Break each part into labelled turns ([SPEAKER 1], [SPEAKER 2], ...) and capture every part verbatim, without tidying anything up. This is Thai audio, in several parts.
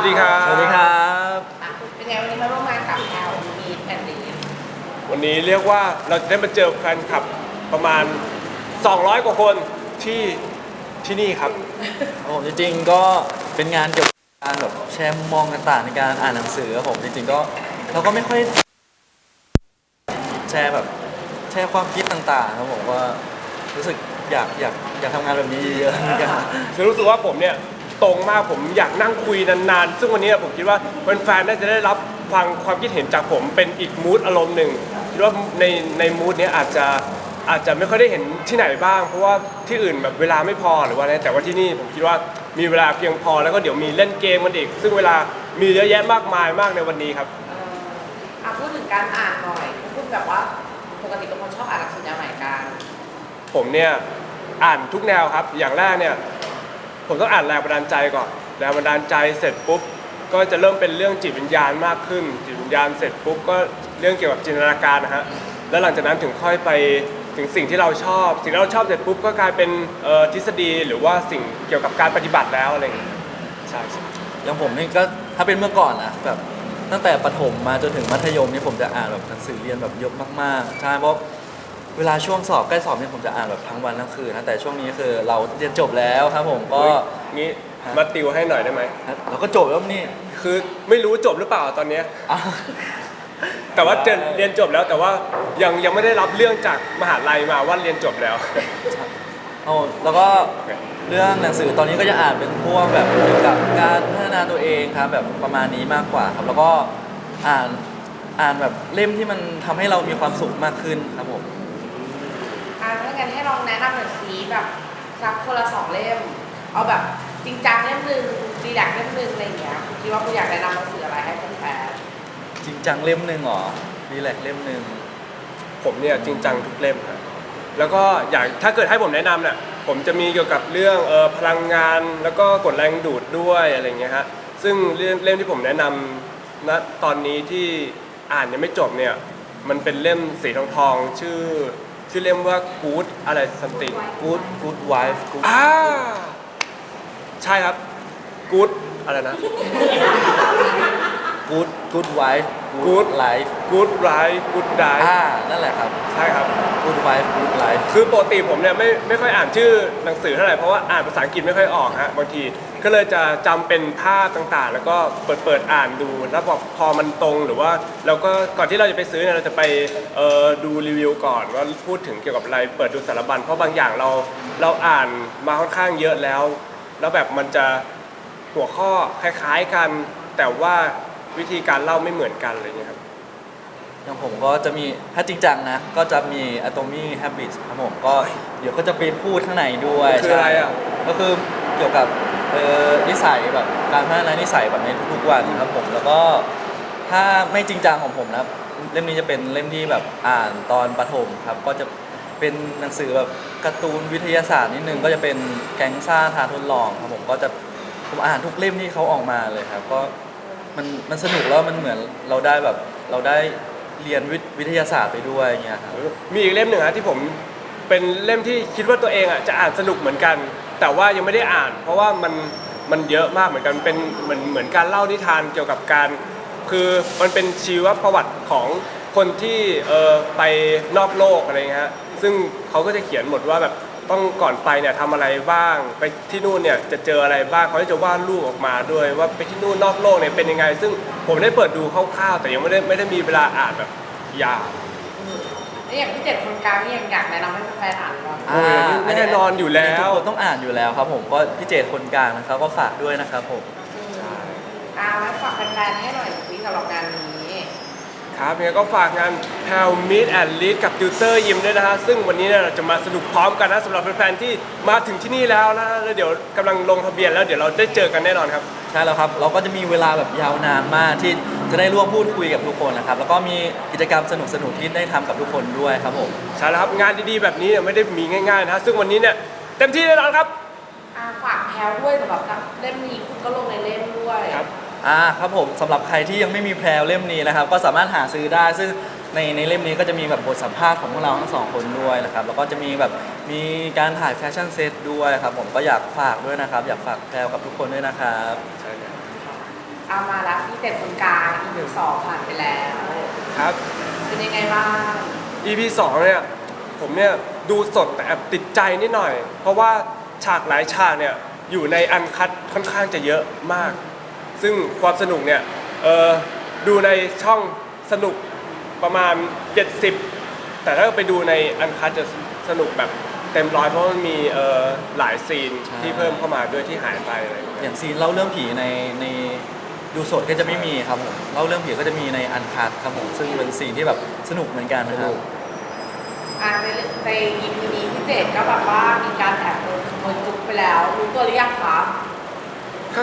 [SPEAKER 1] ดีครับ
[SPEAKER 2] สวัสดีครับ
[SPEAKER 3] เป็นไงวันนี้มาร่วมงานกับแอลมีแอนดี้
[SPEAKER 1] วันนี้เรียกว่าเราจะได้มาเจอแฟนคลับประมาณสองร้อยกว่าคนที่ที่นี่ครับ
[SPEAKER 2] โอ้จริงๆก็เป็นงานเกี่ยวกับการแบบแชร์มุมมองต่างๆในการอ่านหนังสือครับผมจริงๆก็เราก็ไม่ค่อยแชร์แบบแชร์ความคิดต่างๆครับผมว่ารู้สึกอยากอยากอยากทำงานแบบนี้เยอะๆเหมือนกัน
[SPEAKER 1] คือรู้สึกว่าผมเนี่ยตรงมากผมอยากนั่งคุยนานๆซึ่งวันนี้ผมคิดว่าแฟนๆน่าจะได้รับฟังความคิดเห็นจากผมเป็นอีกมูดอารมณ์หนึ่งคิดว่าในในมูดนี้อาจจะอาจจะไม่ค่อยได้เห็นที่ไหนบ้างเพราะว่าที่อื่นแบบเวลาไม่พอหรือว่าอะไรแต่ว่าที่นี่ผมคิดว่ามีเวลาเพียงพอแล้วก็เดี๋ยวมีเล่นเกมกันอีกซึ่งเวลามีเยอะแยะมากมายมากในวันนี้ครับ
[SPEAKER 3] อ่ะพูดถึงการอ่านหน่อยพูดแบบว่าปกติเป็นคนชอบอ่านหนังสือแนวไหนกัน
[SPEAKER 1] ผมเนี่ยอ่านทุกแนวครับอย่างแรกเนี่ยผมต้องอ่านแรงบันดาลใจก่อนแรงบันดาลใจเสร็จปุ๊บก็จะเริ่มเป็นเรื่องจิตวิญญาณมากขึ้นจิตวิญญาณเสร็จปุ๊บก็เรื่องเกี่ยวกับจินตนาการนะฮะแล้วหลังจากนั้นถึงค่อยไปถึงสิ่งที่เราชอบสิ่งที่เราชอบเสร็จปุ๊บก็กลายเป็นทฤษฎีหรือว่าสิ่งเกี่ยวกับการปฏิบัติแล้วอะไรอย่างเงี้ยใช่
[SPEAKER 2] อย่างผมนี่ก็ถ้าเป็นเมื่อก่อนนะแบบตั้งแต่ประถมมาจนถึงมัธยมนี่ผมจะอ่านแบบหนังสือเรียนแบบเยอะมากๆใช่เพราะเวลาช่วงสอบใกล้สอบเนี่ยผมจะอ่านแบบทั้งวันทั้งคืนนะแต่ช่วงนี้คือเราเรียนจบแล้วครับผมก็
[SPEAKER 1] งี้มาติวให้หน่อยได้ไหม
[SPEAKER 2] เราก็จบแล้วนี่
[SPEAKER 1] คือไม่รู้จบหรือเปล่าตอนนี้แต่ว่าเรียนจบแล้วแต่ว่ายังยังไม่ได้รับเรื่องจากมหาลัยมาว่าเรียนจบแล้ว
[SPEAKER 2] โอ้แล้วก็เรื่องหนังสือตอนนี้ก็จะอ่านเป็นพวกแบบเกี่ยวกับการพัฒนาตัวเองครับแบบประมาณนี้มากกว่าครับแล้วก็อ่านอ่านแบบเล่มที่มันทำให้เรามีความสุขมากขึ้นครับผม
[SPEAKER 3] อ่าถ้างั้นให้ลองแนะนำหน่อยสิแบบสักคนละสองเล่มเอาแบบจริงจังเล่มหนึ่งดีดักเล่มหนึ่งอะไรอย่างเงี้ยคุณคิดว่าคุณอยากแนะนำหนังสืออะไรให้แฟน
[SPEAKER 2] จริงจังเล่มหนึ่งหรอดีแลกเล่มหนึ่ง
[SPEAKER 1] ผมเนี่ยจริงจังทุกเล่มครับแล้วก็อยากถ้าเกิดให้ผมแนะนำเนี่ยผมจะมีเกี่ยวกับเรื่องเอ่อพลังงานแล้วก็กฎแรงดูดด้วยอะไรเงี้ยฮะซึ่งเรื่องเล่มที่ผมแนะนำณตอนนี้ที่อ่านยังไม่จบเนี่ยมันเป็นเล่มสีทองทองชื่อชื่อเล่มว่า Good อะไร something
[SPEAKER 2] Good Good Wife Good
[SPEAKER 1] อ่าใช่ครับ Good อะไรนะ
[SPEAKER 2] Good Good Wife
[SPEAKER 1] Good
[SPEAKER 2] Life
[SPEAKER 1] Good Life Good Die
[SPEAKER 2] อ่านั่นแหละครับ
[SPEAKER 1] ใช่ครับ
[SPEAKER 2] Good Wife Good Life
[SPEAKER 1] คือปกติผมเนี่ยไม่ไม่ค่อยอ่านชื่อหนังสือเท่าไหร่เพราะว่าอ่านภาษาอังกฤษไม่ค่อยออกฮะบางทีก็เลยจะจำเป็นภาพต่างๆแล้วก็เปิดเปิดอ่านดูแล้วพอพอมันตรงหรือว่าเราก็ก่อนที่เราจะไปซื้อเนี่ยเราจะไปเอ่อดูรีวิวก่อนว่าพูดถึงเกี่ยวกับอะไรเปิดดูสารบัญเพราะบางอย่างเราเราอ่านมาค่อนข้างเยอะแล้วแล้วแบบมันจะหัวข้อคล้ายๆกันแต่ว่าวิธีการเล่าไม่เหมือนกันอะไรเงี้ยครับ
[SPEAKER 2] อย่างผมก็จะมีถ้าจริงจังนะก็จะมี Atomic Habits ครับผมก็เดี๋ยวก็จะไปพูดข้างในด้วย
[SPEAKER 1] คืออะไรอ่ะ
[SPEAKER 2] ก็คือเกี่ยวกับเอ่อนิสัยแบบการพัฒนานิสัยแบบในทุกๆวันครับผมแล้วก็ถ้าไม่จริงจังของผมนะเล่มนี้จะเป็นเล่มที่แบบอ่านตอนประถมครับก็จะเป็นหนังสือแบบการ์ตูนวิทยาศาสตร์นิดนึงก็จะเป็นแก๊งซ่าท้าทดลองครับผมก็จะผมอ่านทุกเล่มที่เขาออกมาเลยครับก็มันมันสนุกแล้วมันเหมือนเราได้แบบเราได้เรียนวิทยาศาสตร์ไปด้วยอย่างเงี้ยครับ
[SPEAKER 1] มีอีกเล่มหนึ่งฮะที่ผมเป็นเล่มที่คิดว่าตัวเองอ่ะจะอ่านสนุกเหมือนกันแต่ว่ายังไม่ได้อ่านเพราะว่ามันมันเยอะมากเหมือนกันเป็นเหมือนเหมือนการเล่านิทานเกี่ยวกับการคือมันเป็นชีวประวัติของคนที่เออไปนอกโลกอะไรเงี้ยซึ่งเขาก็จะเขียนหมดว่าแบบต้องก่อนไปเนี่ยทำอะไรบ้างไปที่นู่นเนี่ยจะเจออะไรบ้างเขาจะวาดรูปออกมาด้วยว่าไปที่นู่นนอกโลกเนี่ยเป็นยังไงซึ่งผมได้เปิดดูคร่าวๆแต่ยังไม่ได้ไม่ได้มีเวลาอ่านแบบยาว
[SPEAKER 3] นี่อย่างที่เจ็ดคนกลางนี่ยังอยากแนะนำให้แฟนอ่านก่อน
[SPEAKER 1] โอ้ยแน่นอนอยู่แล้ว
[SPEAKER 2] ทุกคนต้องอ่านอยู่แล้วครับผมก็พี่เจตคนกลางนะครับก็ฝากด้วยนะครับผม
[SPEAKER 3] อ่าแล้วฝากแฟนๆให้หน่อยสิสำหรับงานนี้
[SPEAKER 1] ครับยังไงก็ฝากงาน Hell Meet and Lead กับติวเตอร์ยิมด้วยนะฮะซึ่งวันนี้เนี่ยเราจะมาสนุกพร้อมกันนะสำหรับแฟนๆที่มาถึงที่นี่แล้วนะแล้วเดี๋ยวกำลังลงทะเบียนแล้วเดี๋ยวเราได้เจอกันแน่นอนครับ
[SPEAKER 2] ใช่แล้วครับเราก็จะมีเวลาแบบยาวนานมากที่จะได้ร่วมพูดคุยกับทุกคนนะครับแล้วก็มีกิจกรรมสนุกๆที่ได้ทำกับทุกคนด้วยครับผม
[SPEAKER 1] ใช่แล้วครับงานดีๆแบบนี้เนี่ยไม่ได้มีง่ายๆนะซึ่งวันนี้เนี่ยเต็มที่แน่นอนครับ
[SPEAKER 3] ฝากแพลวด้วยสำหรับเล่มนี้คุณก็ลงในเล่มด้วย
[SPEAKER 1] ครับ
[SPEAKER 2] อ่าครับผมสำหรับใครที่ยังไม่มีแพลวเล่มนี้นะครับก็สามารถหาซื้อได้ซึ่งในในเล่มนี้ก็จะมีแบบบทสัมภาษณ์ของพวกเราทั้งสองคนด้วยนะครับแล้วก็จะมีแบบมีการถ่ายแฟชั่นเซตด้วยครับผมก็อยากฝากด้วยนะครับอยากฝากแพลวกับทุกคนด้วยนะครับ
[SPEAKER 1] ใช่ครับ
[SPEAKER 3] เอามาแล้วพี่เจ็ดคนกลาง อี พี สองผ่านไปแล้ว
[SPEAKER 1] ครับ
[SPEAKER 3] เป็นยังไงบ้าง
[SPEAKER 1] อี พี สองเนี่ยผมเนี่ยดูสดแต่แอบติดใจนิดหน่อย เพราะว่าฉากหลายฉากเนี่ยอยู่ในอันคัดค่อนข้างจะเยอะมาก ซึ่งความสนุกเนี่ยเออดูในช่องสนุกประมาณเจ็ดสิบแต่ถ้าไปดูในอันคัดจะสนุกแบบเต็มร้อยเพราะมันมีเออหลายซีน
[SPEAKER 2] ใช่
[SPEAKER 1] ที่เพิ่มเข้ามาด้วยที่หายไปอะไรอย่างเงี้ย
[SPEAKER 2] อย่างซีนเล่าเรื่องผีในในดูสดก็จะไม่มีครับผมเล่าเรื่องผีก็จะมีในอันคัดครับผมซึ่งเป็นซีนที่แบบสนุกเหมือนกันนะครับ
[SPEAKER 3] อ่าในใน อี พี นี้พี่เจ็ดก็แบบว่ามีการแอบโดนขโมยจุกไปแล้วรู้ตัวหรือยังคะ
[SPEAKER 1] ก็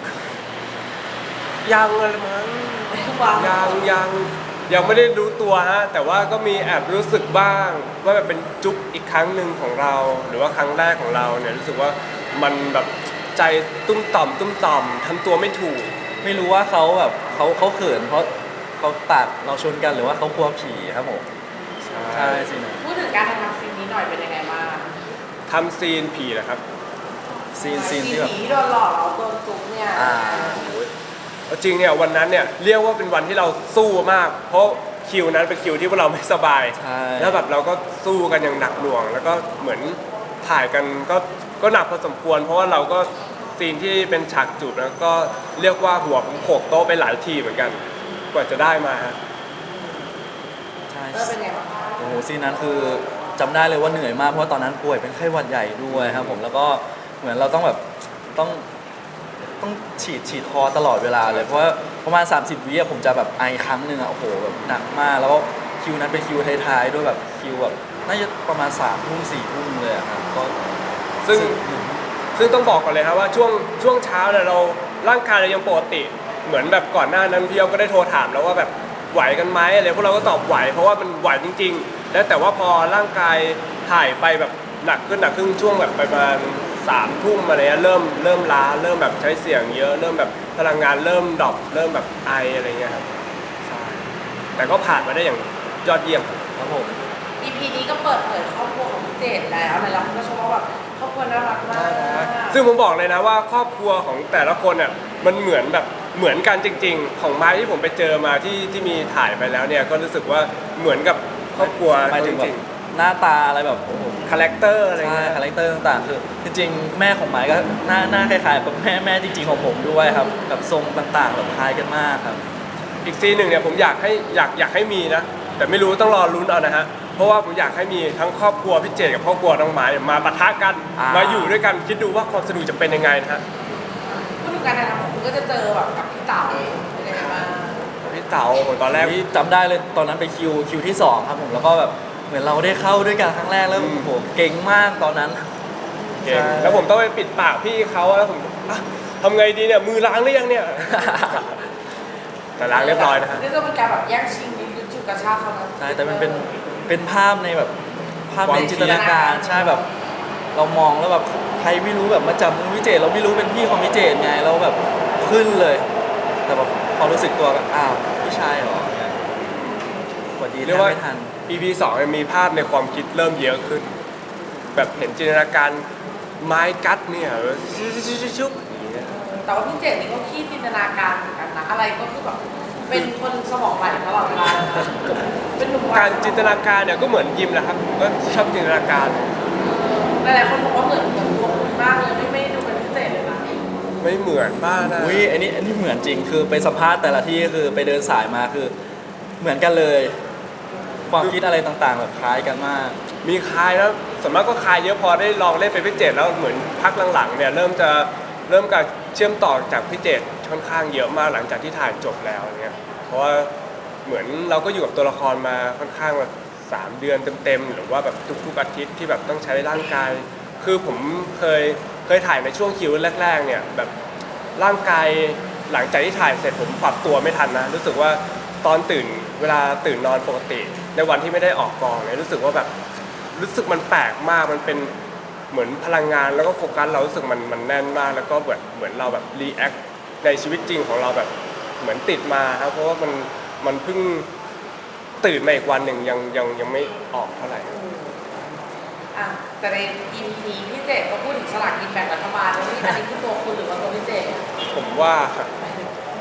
[SPEAKER 1] ยังอะไรมั้ง
[SPEAKER 3] วาง
[SPEAKER 1] ยังยังยังไม่ได้รู้ตัวฮะแต่ว่าก็มีแอบรู้สึกบ้างว่าแบบเป็นจุ๊บอีกครั้งหนึ่งของเรา หรือว่าครั้งแรกของเราเนี่ยรู้สึกว่ามันแบบใจตุ้มต่อมตุ้มต่อมทำตัวไม่ถูก
[SPEAKER 2] ไม่รู้ว่าเขาแบบเขาเขาเขินเพราะเขาตัดเราชนกันหรือว่าเขากลัวผีครับผมใช่สินะ
[SPEAKER 3] พูดถึงการทำซีนนี้หน่อยเป็นยังไงบ้าง
[SPEAKER 1] ทำซีนผีนะครับ
[SPEAKER 2] ซีนซีนที่แบบ
[SPEAKER 3] ผีโดนหลอกแล้วโดนจุกเนี่ย
[SPEAKER 2] อ่า
[SPEAKER 1] เอาจริงเนี่ยวันนั้นเนี่ยเรียกว่าเป็นวันที่เราสู้มาก เพราะคิวนั้นเป็นคิวที่พวกเราไม่สบาย
[SPEAKER 2] ใช่
[SPEAKER 1] แล้วแบบเราก็สู้กันอย่างหนักหน่วง แล้วก็เหมือนถ่ายกันก็ก็หนักพอสมควร เพราะว่าเราก็ซีนที่เป็นฉากจูบแล้วก็เรียกว่าหัวผมโขกโต๊ะไปหลายทีเหมือนกัน กว่าจะได้มาฮะ
[SPEAKER 2] ใช่
[SPEAKER 3] เออเป็นไงบ้าง
[SPEAKER 2] โอ้โหซีนนั้นคือจำได้เลยว่าเหนื่อยมากเพราะว่าตอนนั้นป่วยเป็นไข้หวัดใหญ่ด้วยครับผมแล้วก็เหมือนเราต้องแบบต้องต้องฉีดฉีดคอตลอดเวลาเลยเพราะว่าประมาณ สามสิบ วิอะผมจะแบบไอครั้งหนึ่งอะโอ้โหแบบหนักมากแล้วก็คิวนั้นเป็นคิวท้ายๆด้วยแบบคิวแบบน่าจะประมาณสามทุ่มสี่ทุ่มเลยอะครับก็
[SPEAKER 1] ซึ่งซึ่งต้องบอกก่อนเลยครับว่าช่วงช่วงเช้าเนี่ยเราร่างกายเรายังปกติ เหมือนแบบก่อนหน้านั้นพี่เอาก็ได้โทรถามแล้วว่าแบบไหวกันไหมอะไรพวกเราก็ตอบไหวเพราะว่ามันไหวจริงๆ แล้วแต่ว่าพอร่างกายถ่ายไปแบบหนักขึ้นหนักขึ้นช่วงแบบประมาณสามทุ่มอะไรเงี้ยเริ่มเริ่มล้าเริ่มแบบใช้เสียงเยอะเริ่มแบบพลังงานเริ่มดรอปเริ่มแบบไออะไรเงี้ยครับใช่แต่ก็ผ่านมาได้อย่างยอดเยี่ยม
[SPEAKER 2] ครับผม
[SPEAKER 3] อี พี นี้ก็เปิดเผยครอบครัวของพี่เจดแล้วในเราก็ชมว่าแบบครอบครัวน่ารักมาก
[SPEAKER 1] ซึ่งผมบอกเลยนะว่าครอบครัวของแต่ละคนเนี่ยมันเหมือนแบบเหมือนกันจริง ๆ ของไม้ที่ผมไปเจอมาที่ที่มีถ่ายไปแล้วเนี่ยก็รู้สึกว่าเหมือนกับครอบครัว
[SPEAKER 2] หมายถึงแบ
[SPEAKER 1] จริ
[SPEAKER 2] บ
[SPEAKER 1] ง
[SPEAKER 2] หน้าตาอะไรแบบโอ้โห
[SPEAKER 1] ๆคาแรคเตอร์อะไร
[SPEAKER 2] ใช่
[SPEAKER 1] เงี้ย
[SPEAKER 2] คาแรคเตอร์ต่างๆคือจริงๆแม่ของหมายก็หน้าหน้าคล้ายๆกับแม่แม่จริงๆของผมด้วยครับแบบทรงต่างๆแบบคล้ายกันมากครับ
[SPEAKER 1] อีกซีนหนึ่งเนี่ยผมอยากให้อยากอยากให้มีนะ แต่ไม่รู้ต้องรอลุ้นเอานะฮะเพราะว่าผมอยากให้มีทั้งครอบครัวพี่เจดกับครอบครัวน้องไม้มาปะทะกัน
[SPEAKER 2] อ่าม
[SPEAKER 1] มาอยู่ด้วยกันคิดดูว่าความสนุกจะเป็นยังไงนะฮะ
[SPEAKER 3] พูดถึงการถ่ายทำของคุณก็จะเจอแบบกับพี่เต๋าเป็นยังไงบ้าง
[SPEAKER 1] พี่เต๋าผมตอนแรก
[SPEAKER 2] ที่จำได้เลยตอนนั้นไปคิวคิวที่สองครับผมแล้วก็แบบเหมือนเราได้เข้าด้วยกันครั้งแรกแล้ว
[SPEAKER 1] อืม
[SPEAKER 2] โอ้โหเก่งมากตอนนั้น
[SPEAKER 1] เก่ง
[SPEAKER 2] ใช่
[SPEAKER 1] แล้วผมต้องไปปิดปากพี่เขาแล้วผมอ่ะทำไงดีเนี่ยมือล้างหรือยังเนี่ย แต่ล้างเรียบร้อยนะฮะ
[SPEAKER 3] นี่ก็เป็นการแบบแย่งชิงนิดนึงจุกกระชากเขานะ
[SPEAKER 2] ใช่แต่มันเป็นเป็นภาพในแบบภาพ
[SPEAKER 1] ความ
[SPEAKER 2] ใน
[SPEAKER 1] คิด
[SPEAKER 2] จินตนาการใช่แบบ เรามองแล้วแบบใครไม่รู้แบบมาจับมือพี่เจตเราไม่รู้เป็นพี่ของพี่เจตไงเราแบบขึ้นเลย แต่แบบพอรู้สึกตัวก็อ้าวพี่ชายเหรอเนี่ยสวัสดี
[SPEAKER 1] เรียกว่า
[SPEAKER 2] ไม่ทัน
[SPEAKER 1] อี พี สองมีภาพในความคิดเริ่มเยอะขึ้น แบบเห็นจินตนาการไม้กัดเนี่ยชุบชุบชุบชุบอย่างเงี้ย
[SPEAKER 3] แต่ว่าพี่เจดนี่ก็ขี้จินตนาการเหมือนกันนะอะไรก็คือแบบเป็นคนสมองไหลตลอดเวลาเลยนะเป็นหนุ่มวัย
[SPEAKER 1] การจินตนาการเนี่ยก็เหมือนยิมแหละครับผมก็ชอบจินตนาการ
[SPEAKER 3] หลายๆคนบอกว่าเหมือนเหมือนตัวคุณมากเลยไม่ไม่ดูเป็นพิเศษเลยนะ
[SPEAKER 1] ไม่เหมือนบ้างนะ
[SPEAKER 2] อุ้ยอันนี้อันนี้เหมือนจริงคือไปสัมภาษณ์แต่ละที่คือไปเดินสายมาคือเหมือนกันเลย ความคิดอะไรต่างๆ แบบคล้ายกันมาก
[SPEAKER 1] มีคลายแล้วส่วนมากก็คลายเยอะพอได้ลองเล่นเป็นพี่เจตแล้วเหมือนพักหลังๆเนี่ยเริ่มจะเริ่มการเชื่อมต่อจากพี่เจตค่อนข้างเยอะมากหลังจากที่ถ่ายจบแล้วเนี่ยเพราะว่าเหมือนเราก็อยู่กับตัวละครมาค่อนข้างแบบสามเดือนเต็มๆหรือว่าแบบทุกๆอาทิตย์ที่แบบต้องใช้ร่างกาย คือผมเคยเคยถ่ายในช่วงคิวแรกๆเนี่ยแบบร่างกายหลังจากที่ถ่ายเสร็จผมปรับตัวไม่ทันนะรู้สึกว่าตอนตื่นเวลาตื่นนอนปกติ ในวันที่ไม่ได้ออกกองเนี่ยรู้สึกว่าแบบรู้สึกมันแปลกมากมันเป็นเหมือนพลังงานแล้วก็โฟกัสเรารู้สึกมันมันแน่นมากแล้วก็แบบเหมือนเราแบบรีแอคในชีวิตจริงของเราแบบเหมือนติดมาครับเพราะว่ามันมันเพิ่งตื่นมาอีกวันหนึ่งยังยังยังไม่ออกเท่าไหร่
[SPEAKER 3] อ่ะแต่ใน อี พี นี้พี่เจดก็พูดถึงสลากกินแบ่งรัฐบาลแล้วนี่อันนี้คือตัวคุณหรือว่าตัวพี่เจด
[SPEAKER 1] ผมว่า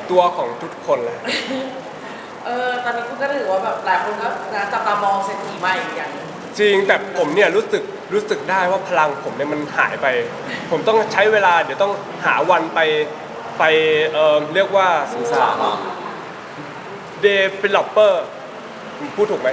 [SPEAKER 1] ตัวของทุกคนเลย
[SPEAKER 3] เออตอนนี้คุณก็ถือว่าแบบหลายคนก็นะจับตามองเศรษฐีใหม่อย่าง
[SPEAKER 1] จริงแต่ผมเนี่ยรู้สึกรู้สึกได้ว่าพลังผมเนี่ยมันหายไป ผมต้องใช้เวลาเดี๋ยวต้องหาวันไปไปเอ่อเรียกว่า
[SPEAKER 2] สื่อสารเนาะ
[SPEAKER 1] developer ผมพูดถูกไหม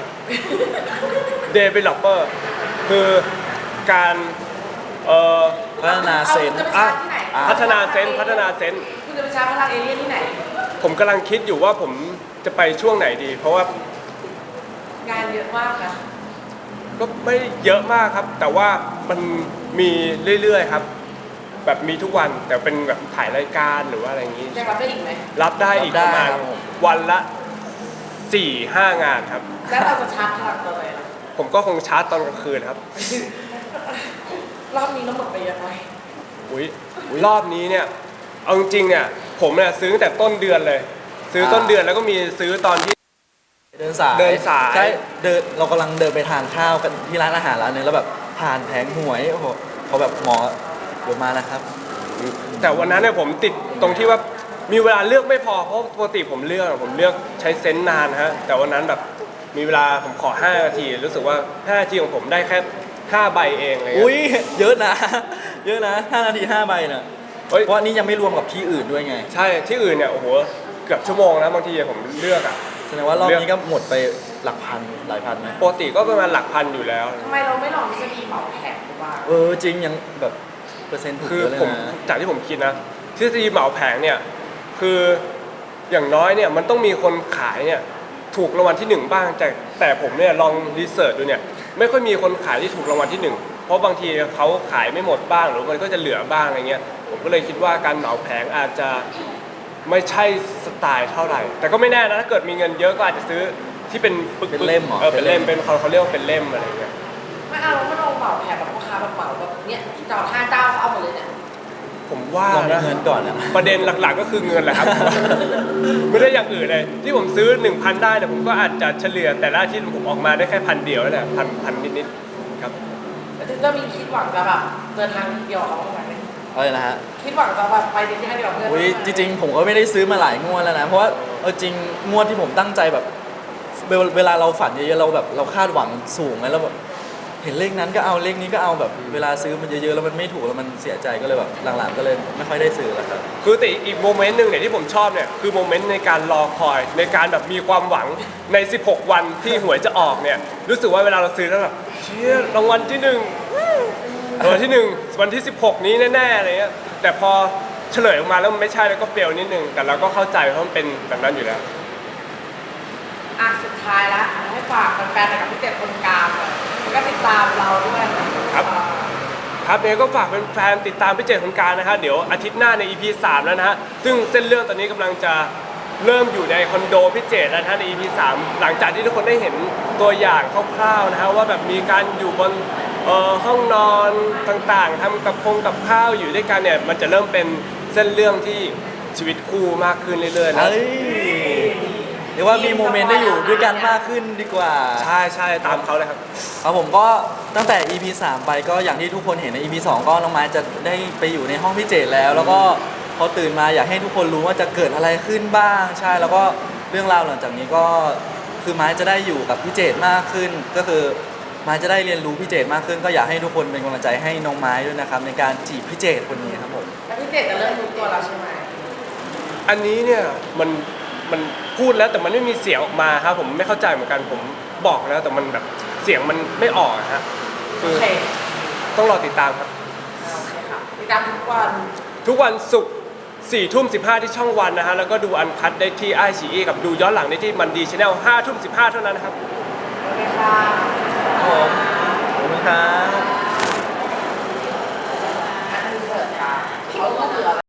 [SPEAKER 1] developer คือการเอ่อ
[SPEAKER 2] พัฒนาเซน
[SPEAKER 3] เอาคุณจะไป
[SPEAKER 1] อ่ะ
[SPEAKER 3] ชาร์จที่ไหน
[SPEAKER 1] พัฒนาเซนส์พัฒนาเซนส์
[SPEAKER 3] คุณจะไปชาร์จพลังเอเลี่ยนที่ไหน
[SPEAKER 1] ผมกำลังคิดอยู่ว่าผมจะไปช่วงไหนดี เพราะว่า
[SPEAKER 3] งานเยอะมากนะ
[SPEAKER 1] ก็ไม่เยอะมากครับ แต่ว่ามันมีเรื่อยๆครับ แบบมีทุกวันแต่เป็นแบบถ่ายรายการหรือว่าอะไรอย่างนี้
[SPEAKER 3] ยังรับได้อีกไหม
[SPEAKER 1] รับได้อีกประมาณวันละสี่ห้างานครับ
[SPEAKER 3] แล้วเราจะชาร์จพลังตัวอะไรล่ะ
[SPEAKER 1] ผมก็คงชาร์จตอนกลางคืนครับ
[SPEAKER 3] รอบนี้เราหมดไปเยอะไหม
[SPEAKER 1] อุ้ยรอบนี้เนี่ยเอาจริงๆเนี่ยผมเนี่ยซื้อตั้งแต่ต้นเดือนเลย ซื้อต้นเดือนแล้วก็มีซื้อตอนที่
[SPEAKER 2] เดินสาย
[SPEAKER 1] เดินสาย
[SPEAKER 2] ใช่เดินเรากำลังเดินไปทานข้าวกันที่ร้านอาหารร้านนึงแล้วแบบผ่านแผงหวยโอ้โหเขาแบบหมอเดี๋ยวมานะครับ
[SPEAKER 1] แต่วันนั้นเนี่ยผมติดตรงที่ว่ามีเวลาเลือกไม่พอเพราะปกติผมเลือกผมเลือกใช้เซนส์นานฮะแต่วันนั้นแบบมีเวลาผมขอห้านาทีรู้สึกว่าห้านาทีของผมได้แค่ห้าใบเองอะไรเลย
[SPEAKER 2] อุ้ยเยอะนะ เยอะนะห้านาทีห้าใบเนี่ย
[SPEAKER 1] เฮ้ย
[SPEAKER 2] เพราะอันนี้ยังไม่รวมกับที่อื่นด้วยไง
[SPEAKER 1] ใช่ที่อื่นเนี่ยโอ้โหเกือบชั่วโมงนะบางทีผมเลือกอ่ะ
[SPEAKER 2] แสดงว่ารอบนี้ก็หมดไปหลักพันหลายพันไหม
[SPEAKER 1] ปกติก็ประมาณหลักพันอยู่แล้ว
[SPEAKER 3] ทำไมเราไม่ลองทฤษฎีเหมาแผงดูบ้าง
[SPEAKER 2] เออจริงยังแบบเปอร์เซ็นต์ถูก
[SPEAKER 1] คือ
[SPEAKER 2] เยอะเลย
[SPEAKER 1] ผม
[SPEAKER 2] นะ
[SPEAKER 1] จากที่ผมคิดนะทฤษฎีเหมาแผงเนี่ยคืออย่างน้อยเนี่ยมันต้องมีคนขายเนี่ยถูกรางวัลที่หนึ่งบ้างแต่แต่ผมเนี่ยลองรีเสิร์ชดูเนี่ยไม่ค่อยมีคนขายที่ถูกรางวัลที่หนึ่งเพราะบางทีเขาขายไม่หมดบ้างหรือมันก็จะเหลือบ้างอะไรเงี้ยผมก็เลยคิดว่าการเหมาแผงอาจจะไม่ใช่สไตล์เท่าไหร่ แต่ก็ไม่แน่นะถ้าเกิดมีเงินเยอะก็อาจจะซื้อที่เป็นปึกๆ
[SPEAKER 2] เป็นเล่มเหรอ
[SPEAKER 1] เออเป็นเล่มเป็นเขาเขาเรียกว่าเป็นเล่มอะไรเงี้ย
[SPEAKER 3] ไม่เอาเราไม่ลองเหมาแผงแบบพ่อค้าแบบเหมาแบบเนี้ยเจ้าห้าเจ้าเขาเอาหมดเลยเนี่ย
[SPEAKER 1] ผมว่า
[SPEAKER 2] ลองมี
[SPEAKER 1] นะ
[SPEAKER 2] เงินก่อนนะ
[SPEAKER 1] ประเด็นหลักๆก็คือเงินแหละครับ ไม่ได้อย่างอื่นเลย ที่ผมซื้อ หนึ่งพัน ได้เนี่ยผมก็อาจจะเฉลี่ยแต่ละอาทิตย์ผมออกมาได้แค่พันเดียวนั่นแหละพันพันนิดๆครับ
[SPEAKER 3] แล้วถึงจะมีคิดหวังจะแบบเดินทางเดียวกับเขาบ้างไหม
[SPEAKER 2] อะไรนะฮะ
[SPEAKER 3] คิดหวังจะแบบไปเดินทางเดียวกับเพื่อน
[SPEAKER 2] อุ้ยจริงๆผมก็ไม่ได้ซื้อมาหลายงวดแล้วนะเพราะว่าเออจริงงวดที่ผมตั้งใจแบบเวลเวลาเราฝันเยอะๆเราแบบเราคาดหวังสูงไงแล้วแบบเห็นเลขนั้นก็เอาเลขนี้ก็เอาแบบเวลาซื้อมันเยอะๆแล้วมันไม่ถูกแล้วมันเสียใจก็เลยแบบหลังๆก็เลยไม่ค่อยได้ซื้อแล้วครับ
[SPEAKER 1] คือแต่อีกโมเมนต์หนึ่งเนี่ยที่ผมชอบเนี่ยคือโมเมนต์ในการรอคอยในการแบบมีความหวังใน สิบหก วันที่หวยจะออกเนี่ยรู้สึกว่าเวลาเราซื้อแล้วแบบเชี่ยรางวัลที่หนึ่งรางวัลที่หนึ่งวันที่สิบหกนี้แน่ๆอะไรเงี้ยแต่พอเฉลยออกมาแล้วมันไม่ใช่แล้วก็เฟลนิดนึงแต่เราก็เข้าใจเพราะมันเป็นแบบนั้นอยู่แล้ว
[SPEAKER 3] อ่ะสุดท้ายละให้ฝากแฟนๆหน่อยกับพี่เจ็ดคนกลางหน่อยแล้วก็ติดตามเราด้วย
[SPEAKER 1] ครับ ครับเดี๋ยวก็ฝากแฟนๆติดตามพี่เจตคนกลางนะครับเดี๋ยวอาทิตย์หน้าใน อี พี สามแล้วนะฮะซึ่งเส้นเรื่องตอนนี้กำลังจะเริ่มอยู่ในคอนโดพี่เจตแล้วนะฮะใน อี พี สามหลังจากที่ทุกคนได้เห็นตัวอย่างคร่าวๆนะฮะว่าแบบมีการอยู่บนเอ่อห้องนอนต่างๆทำกับคงกับข้าวอยู่ด้วยกันเนี่ยมันจะเริ่มเป็นเส้นเรื่องที่ชีวิตคู่มากขึ้นเรื่อยๆนะ
[SPEAKER 2] เอ้ยเรียกว่ามีโมเมนต์ได้อยู่ด้วยกันมากขึ้นดีกว่า
[SPEAKER 1] ใช่ใช่ตามเขาเลยครับ
[SPEAKER 2] ครับผมก็ตั้งแต่ อี พี สามไปก็อย่างที่ทุกคนเห็นใน อี พี สองก็น้องไม้จะได้ไปอยู่ในห้องพี่เจตแล้ว แล้วก็พอตื่นมาอยากให้ทุกคนรู้ว่าจะเกิดอะไรขึ้นบ้างใช่แล้วก็เรื่องราวหลังจากนี้ก็คือไม้จะได้อยู่กับพี่เจตมากขึ้น ก็คือไม้จะได้เรียนรู้พี่เจตมากขึ้น ก็อยากให้ทุกคนเป็นกำลังใจให้น้องไม้ด้วยนะครับในการจีบพี่เจตคนนี้ครับผม
[SPEAKER 3] แล้วพี่เจ็ดจะเริ่มรู้ตัวแล้วใช่ไหม
[SPEAKER 1] อันนี้เนี่ยมันมันพูดแล้วแต่มันไม่มีเสียงออกมาครับผมไม่เข้าใจเหมือนกันผมบอกแล้วแต่มันแบบเสียงมันไม่ออกอะฮะ
[SPEAKER 3] โอ
[SPEAKER 1] คือ
[SPEAKER 3] เค
[SPEAKER 1] ต้องรอติดตามครับ
[SPEAKER 3] โอเคค่ะติดตามทุกวัน
[SPEAKER 1] ทุกวันศุกร์สี่ทุ่มสิบห้าที่ช่องวันนะฮะแล้วก็ดูอันคัดได้ที่ไอซีกับดูย้อนหลังได้ที่มันดีชแนลห้าทุ่มสิบห้าเท่านั้นนะครับ
[SPEAKER 3] โอเคค่ะ
[SPEAKER 2] ครับผมขอบคุณครับ
[SPEAKER 3] อันนี้เสิร์ฟค่ะเขาก็เหลือ